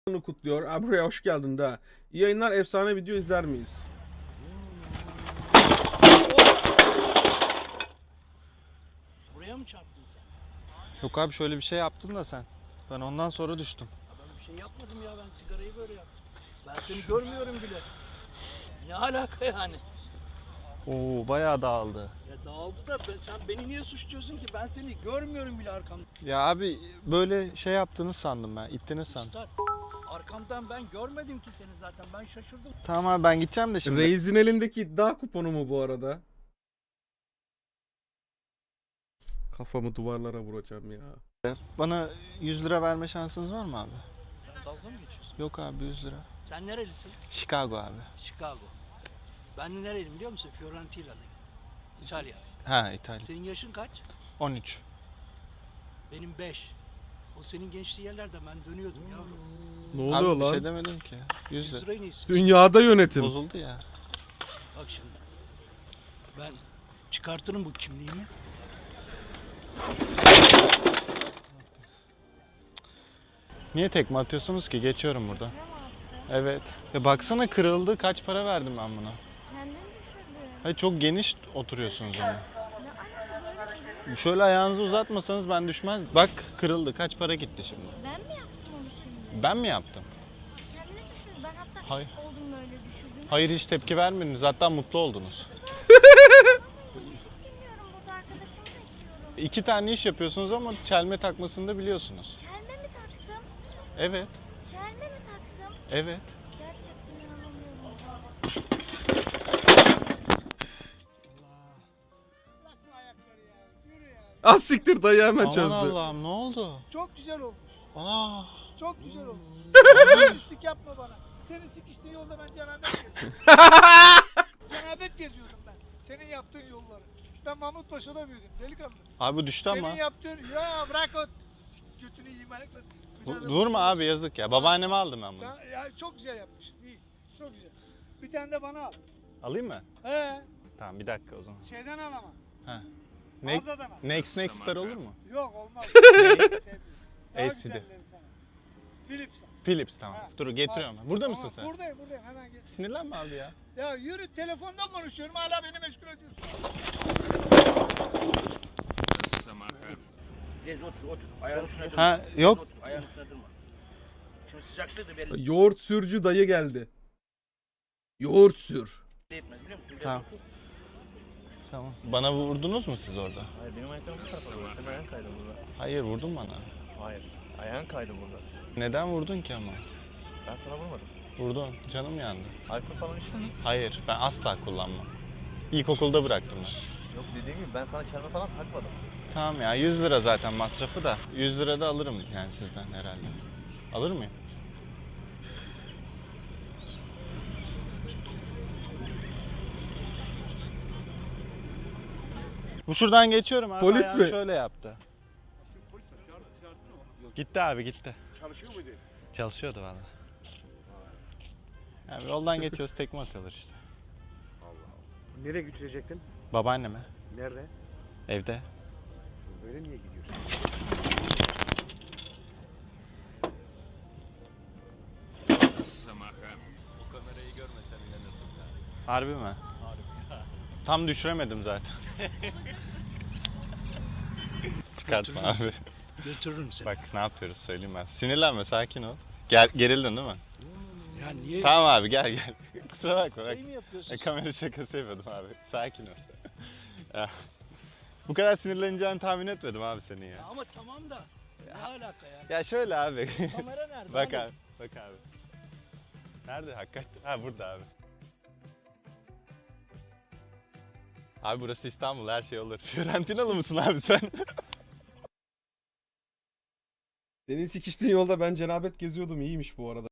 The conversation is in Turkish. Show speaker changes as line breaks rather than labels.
kutluyor. Abi buraya hoş geldin de. İyi yayınlar, efsane video izler miyiz?
Buraya mı çarptın sen?
Yok abi şöyle bir şey yaptın da sen. Ben ondan sonra düştüm.
Ya ben bir şey yapmadım ya, ben sigarayı böyle yaptım. Ben seni görmüyorum bile. Ne alaka yani?
Oo bayağı dağıldı.
Ya dağıldı da sen beni niye suçluyorsun ki? Ben seni görmüyorum bile arkamda.
Ya abi böyle şey yaptığını sandım ben. İttiniz sandım.
Üstad, arkamdan ben görmedim ki seni zaten. Ben şaşırdım.
Tamam abi ben gideceğim de şimdi.
Reis'in elindeki iddia kuponu mu bu arada? Kafamı duvarlara vuracağım ya.
Bana 100 lira verme şansınız var mı abi?
Sen dalga mı geçiyorsun?
Yok abi 100 lira.
Sen nerelisin?
Chicago abi.
Chicago. Ben de nereliyim biliyor musun? Fiorentina'dayım. İtalya.
Ha İtalya.
Senin yaşın kaç?
13.
Benim 5. O senin gençliği yerlerde ben dönüyordum yavrum.
Ne
Abi
oluyor
bir
lan?
şey demedim ki. 100
100
lira.
lirayı ne istiyorsun?
Dünyada yönetim.
Bozuldu ya.
Bak şimdi. Ben çıkartırım bu kimliğimi.
Niye tekme atıyorsunuz ki? Geçiyorum burada. Evet. Ya baksana kırıldı. Kaç para verdim ben buna?
Kendin düşürdün.
Hayır çok geniş oturuyorsunuz ama.
Ne alaka böyle?
Şöyle ayağınızı uzatmasanız ben düşmez. Bak kırıldı. Kaç para gitti şimdi?
Ben mi yaptım onu şimdi?
Ben mi yaptım?
Kendini düşürdün. Ben hatta
Hayır.
ilk oldum böyle düşürdüğümde.
Hayır hiç tepki vermediniz. Hatta mutlu oldunuz.
Bilmiyorum, burada arkadaşımı bekliyorum.
2 tane iş yapıyorsunuz ama çelme takmasını da biliyorsunuz.
Çelme mi taktım?
Evet.
Çelme mi taktım?
Evet.
Gerçekten inanamıyorum.
Az siktir, dayı hemen
Aman
çözdü.
Allah'ım ne oldu?
Çok güzel olmuş.
Aa.
Çok güzel olmuş. Pislik yapma bana. Senin sikiştiğin yolda ben cenabet geziyorum. Cenabet geziyordum ben. Senin yaptığın yolları. Ben Mahmut Paşa'da büyüdüm delikanlı.
Abi bu düştü ama.
Senin yaptığın... Ya bırak o götünü yiyeyim ayakla.
Durma abi yazık ya. Babaanneme aldım ben bunu.
Sen, ya çok güzel yapmışsın. İyi. Çok güzel. Bir tane de bana al.
Alayım mı?
He.
Tamam bir dakika o zaman.
Şeyden al ama.
Ha.
Mağazadan al.
Next Star olur mu?
Yok olmaz. Sevmiyorum. Daha
LCD.
güzelleri sana. Philips al.
Philips tamam.
Ha.
Dur getiriyorum. ben. Burada
Tamam,
mısın sen?
Buradayım hemen gel.
Sinirlenme abi ya.
Ya yürü, telefonda konuşuyorum hala beni meşgul ediyorsun.
Gez otur. Ayağın üstüne durma.
Ha
Gez
yok.
otur, ayağın üstüne durma. Şimdi sıcaklığı da belli
Yoğurt sürücü dayı geldi. Yoğurt sür.
etmez biliyor musun? Gez
Tamam.
otur.
Tamam. Bana vurdunuz mu siz orada?
Hayır benim ayaklarım bu tarafa doğru. Senin ayağın kaydı burada.
Hayır vurdun bana.
Hayır. Ayağın kaydı burada.
Neden vurdun ki ama?
Ben sana vurmadım.
Vurdun. Canım yandı.
Alkol falan içtin mi?
Hayır ben asla kullanmam. İlkokulda bıraktım ben.
Yok dediğim gibi ben sana çelme falan takmadım.
Tamam ya 100 lira zaten masrafı da. 100 lira da alırım yani sizden herhalde. Alır mıyım? Bu şuradan geçiyorum abi.
Polis
ayağını
mi?
Şöyle yaptı. Gitti abi gitti.
Çalışıyor muydu?
Çalışıyordu valla. Yani yoldan geçiyoruz tekme atıyorlar işte.
Nereye götürecektin?
Babaanneme.
Nerede?
Evde.
Böyle niye gidiyorsun?
Bu kamerayı görmesem inanırdım. Harbi mi? Harbi. Tam düşüremedim zaten. Çıkartma abi.
Götürürüm seni.
Bak ne yapıyoruz söyleyeyim ben. Sinirlenme sakin ol. Gerildin değil mi?
Ya niye?
Tamam abi gel. Kusura bakma bak.
Şey mi yapıyorsun?
Kamera şakası yapıyordum abi. Sakin ol. Ya, bu kadar sinirleneceğini tahmin etmedim abi senin ya.
Ama tamam da ne alaka ya?
Ya şöyle abi.
Kamera nerede?
Bak
Hadi.
abi. Bak abi. Nerede hakikaten? Ha burada abi. Abi burası İstanbul her şey olur. Fiorentinalı mısın abi sen?
Senin sikiştiğin yolda ben cenabet geziyordum, iyiymiş bu arada.